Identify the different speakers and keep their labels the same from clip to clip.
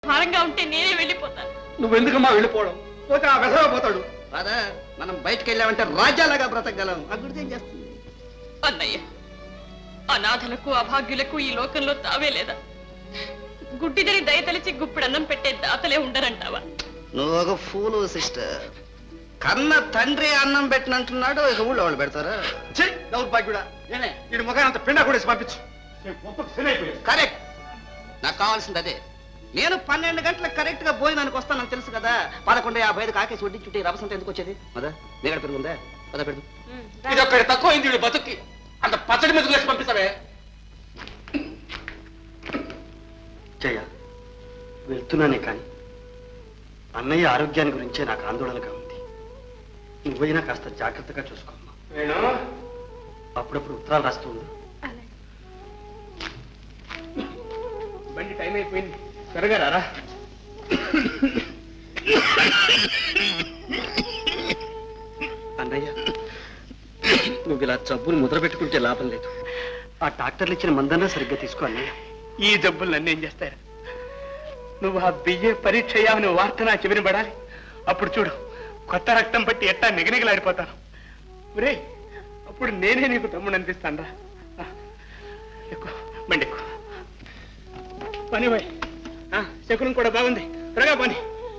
Speaker 1: భారంగా ఉంటే నేనే వెళ్ళిపోతాను.
Speaker 2: నువ్వెందుకమ్మా వెళ్ళిపోవడం? పోతే ఆ వెధవ పోతాడు.
Speaker 3: ఫాదర్, మనం బయటికి వెళ్ళామంటే రాజ్యాలాగా బ్రతకగలం. ఆ గుడిదేం చేస్తుంది?
Speaker 1: అన్నయ్య, అనాథలకు అభాగ్యులకు ఈ లోకంలో తావే లేదా? గుడ్డిదని దయతలిచి గుప్పిడన్నం పెట్టే దాతలే ఉండరంటావా?
Speaker 3: నువ్వు ఒక ఫూలు సిస్టర్. కన్న తండ్రి అన్నం పెట్టినంటున్నాడు, ఇక ఊళ్ళో వాళ్ళు పెడతారా?
Speaker 2: దౌర్భాగ్యుడా, వీడి ముఖాన్ని అంత పిండా కూడా పంపించు.
Speaker 3: కరెక్ట్, నాకు కావాల్సింది అదే. నేను 12 గంటలకు కరెక్ట్ గా భోజనానికి వస్తానని తెలుసు కదా. 11:55 కాకేసి వడ్డీ చుట్టి రవసంత ఎందుకు వచ్చేది? మదా నీగడ పెరుగుందా? పద పెడుతు.
Speaker 2: ఇది ఒక్కడి తక్కువ అయింది వీడి బతుక్కి. అంత పచ్చడి మీద వేసి పంపిస్తావే.
Speaker 4: జయ, వెళ్తున్నానే కానీ అన్నయ్య ఆరోగ్యాన్ని గురించే నాకు ఆందోళనగా ఉంది. నువ్వైనా కాస్త జాగ్రత్తగా చూసుకోమ్మా. అప్పుడప్పుడు ఉత్తరాలు రాస్తూ ఉండు.
Speaker 2: బండి టైం అయిపోయింది, త్వరగా రారా.
Speaker 4: అన్నయ్య, నువ్వు ఇలా జబ్బులు ముద్ర పెట్టుకుంటే లాభం లేదు. ఆ డాక్టర్లు ఇచ్చిన మందన్నా సరిగ్గా తీసుకో అన్నయ్య.
Speaker 2: ఈ జబ్బులు నన్ను ఏం చేస్తాయా? నువ్వు ఆ బియ్య పరీక్ష అయ్యావని వార్త నా చెవిని పడాలి. అప్పుడు చూడు, కొత్త రక్తం పట్టి ఎట్టా నిగనిగలాడిపోతాను. ఒరే, అప్పుడు నేనే నీకు తమ్ముడు అనిపిస్తాను రా. ఎక్కువ బండి ఎక్కువ పని పోయి. శకునం కూడా బాగుంది, త్వరగా పని.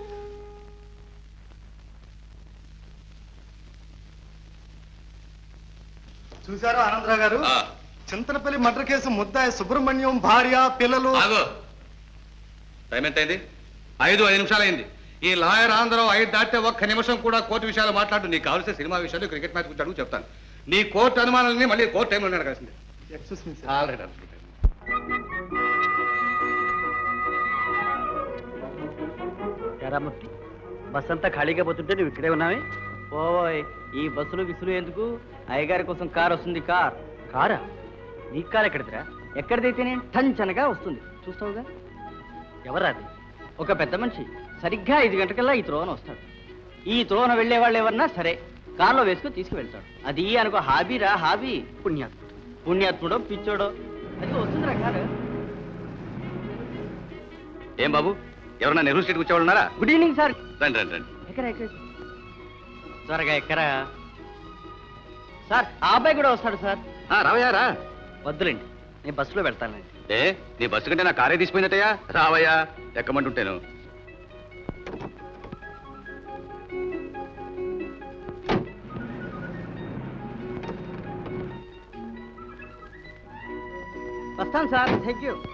Speaker 5: చూసారా ఆనందరావు గారు, చింతలపల్లి మర్డర్ కేసు ముద్దాయి సుబ్రహ్మణ్యం భార్య పిల్లలు.
Speaker 6: టైం ఎంత అయింది? 5 నిమిషాలు అయింది. ఈ లాయర్ ఆంధ్రరావు 5 దాటితే ఒక్క నిమిషం కూడా కోర్టు విషయాలు మాట్లాడు. నీకు కావాల్సిన సినిమా విషయాలు, క్రికెట్ మ్యాచ్ గురించి అడుగు, చెప్తాను. నీ కోర్టు అనుమానాలని మళ్ళీ కోర్టు టైంలో అడగాల్సిందే.
Speaker 5: Excuse me sir.
Speaker 6: Already
Speaker 4: Eramurthy, bus అంతా ఖాళీగా పోతుంటే నువ్వు ఇక్కడే ఉన్నావే?
Speaker 7: ఓయ్, ఈ బస్సులు విసులు ఎందుకు? అయ్యగారి కోసం కార్ వస్తుంది.
Speaker 4: కారా? నీ కారు ఎక్కడిదిరా?
Speaker 7: ఎక్కడిదైతేనే టంచనగా వస్తుంది, చూస్తావుగా.
Speaker 4: ఎవరా అది?
Speaker 7: ఒక పెద్ద మనిషి సరిగ్గా 5 గంటకల్లా ఈ త్రోవన వస్తాడు. ఈ త్రోవన వెళ్లే వాళ్ళు ఎవరన్నా సరే కారులో వేసుకుని తీసుకువెళ్తాడు. అది అనుకో హాబీరా, హాబీ.
Speaker 4: పుణ్యాత్ముడు.
Speaker 7: పుణ్యాత్ముడో పిచ్చోడో అది వస్తుందిరా కారు.
Speaker 6: ఏం బాబు, ఎవరన్నా నెహ్రూ స్ట్రీట్ వచ్చేవాళ్ళు ఉన్నారా?
Speaker 7: Good evening sir.
Speaker 6: రండి రండి రండి.
Speaker 7: ఎక్కరా త్వరగా ఎక్కరా సార్. ఆ అబ్బాయి కూడా వస్తాడు సార్.
Speaker 6: రావయ్యా రా.
Speaker 7: వద్దులేండి, నేను బస్సులో వెళ్తానండి.
Speaker 6: ఏ, నీ బస్సు కంటే నా కారే తీసిపోయిందటయ్యా. రావయ్యా, ఎక్కమంటుంటాను.
Speaker 7: వస్తాను సార్, థ్యాంక్ యూ.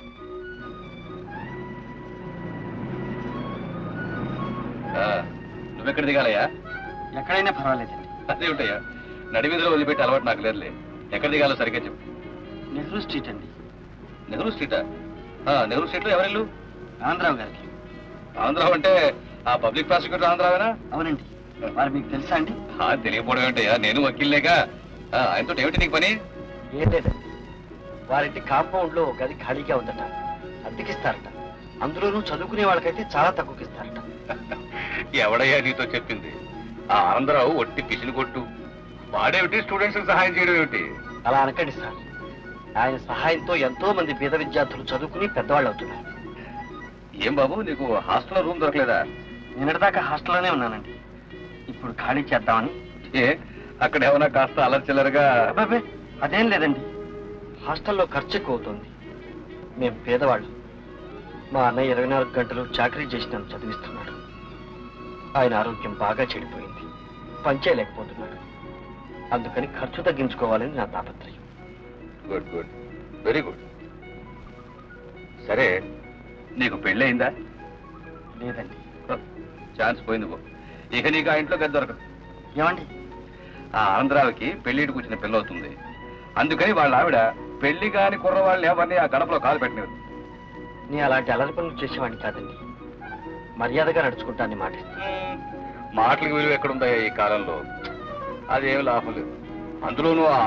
Speaker 6: నువ్వెక్కడ దిగాలయ్యా?
Speaker 4: ఎక్కడైనా పర్వాలేదండి.
Speaker 6: అదే ఉంటాయా, నడివీధిలో వదిలిపెట్టి అలవాటు నాకు లేదులే. ఎక్కడ దిగాలో సరిగ్గా చెప్పు.
Speaker 4: నెహ్రూ స్ట్రీట్ అండి.
Speaker 6: నెహ్రూ స్ట్రీటా? నెహ్రూ స్ట్రీట్లో ఎవరిల్లు?
Speaker 4: ఆనందరావు గారికి.
Speaker 6: ఆంధ్రావు అంటే ఆ పబ్లిక్ ప్రాసిక్యూటర్ ఆంధ్రావేనా?
Speaker 4: అవునండి. వారు మీకు తెలుసా అండి?
Speaker 6: తెలియకపోవడం ఏంటయ్యా, నేను వకీల్లేగా. ఆయనతో ఏమిటి నీకు పని?
Speaker 4: ఏం లేదండి, వారింటి కాంపౌండ్ లో గది ఖాళీగా ఉందట, అద్దెకిస్తారట. అందులోనూ చదువుకునే వాళ్ళకైతే చాలా తక్కువకిస్తారట.
Speaker 6: ఎవడయ్యా నీతో చెప్పింది? ఆ ఆంధ్రావు ఒట్టి పిసిని కొట్టు. వాడేమిటి స్టూడెంట్స్ సహాయం చేయడం ఏమిటి?
Speaker 4: అలా అనకండి సార్, ఆయన సహాయంతో ఎంతో మంది పేద విద్యార్థులు చదువుకుని పెద్దవాళ్ళు అవుతున్నారు.
Speaker 6: ఏం బాబు, నీకు హాస్టల్లో రూమ్ దొరకలేదా?
Speaker 4: నిన్నటిదాకా హాస్టల్లోనే ఉన్నానండి, ఇప్పుడు ఖాళీ చేద్దామని.
Speaker 6: ఏ, అక్కడ ఏమైనా కాస్త అలర్చిల్లరగా?
Speaker 4: అబ్బాబే, అదేం లేదండి, హాస్టల్లో ఖర్చు ఎక్కువ అవుతుంది. మేము పేదవాళ్ళు. మా అన్నయ్య 24 గంటలు చాకరీ చేసి నన్ను చదివిస్తున్నాడు. ఆయన ఆరోగ్యం బాగా చెడిపోయింది, పనిచేయలేకపోతున్నాడు. అందుకని ఖర్చు తగ్గించుకోవాలని నా తాపత్రయం.
Speaker 6: Good good, very good. సరే, నీకు పెళ్ళయిందా?
Speaker 4: లేదండి.
Speaker 6: ఛాన్స్ పోయింది పో. ఇక నీకు ఆ ఇంట్లో గది దొరకదు.
Speaker 4: ఏమండి?
Speaker 6: ఆ ఆంధ్రావికి పెళ్లికి కూర్చిన పిల్లవుతుంది. అందుకని వాళ్ళ ఆవిడ పెళ్లి కాని కుర్రవాళ్ళని ఎవరిని ఆ గడపలో కాలు పెట్టలేదు.
Speaker 4: నేను అలాంటి అలరి పనులు చేసేవాడిని కాదండి, మర్యాదగా నడుచుకుంటానని మాటిస్తాను.
Speaker 6: మాటలకు విలువ ఎక్కడుందా ఈ కాలంలో? అదేమి లాభం లేదు. అందులోనూ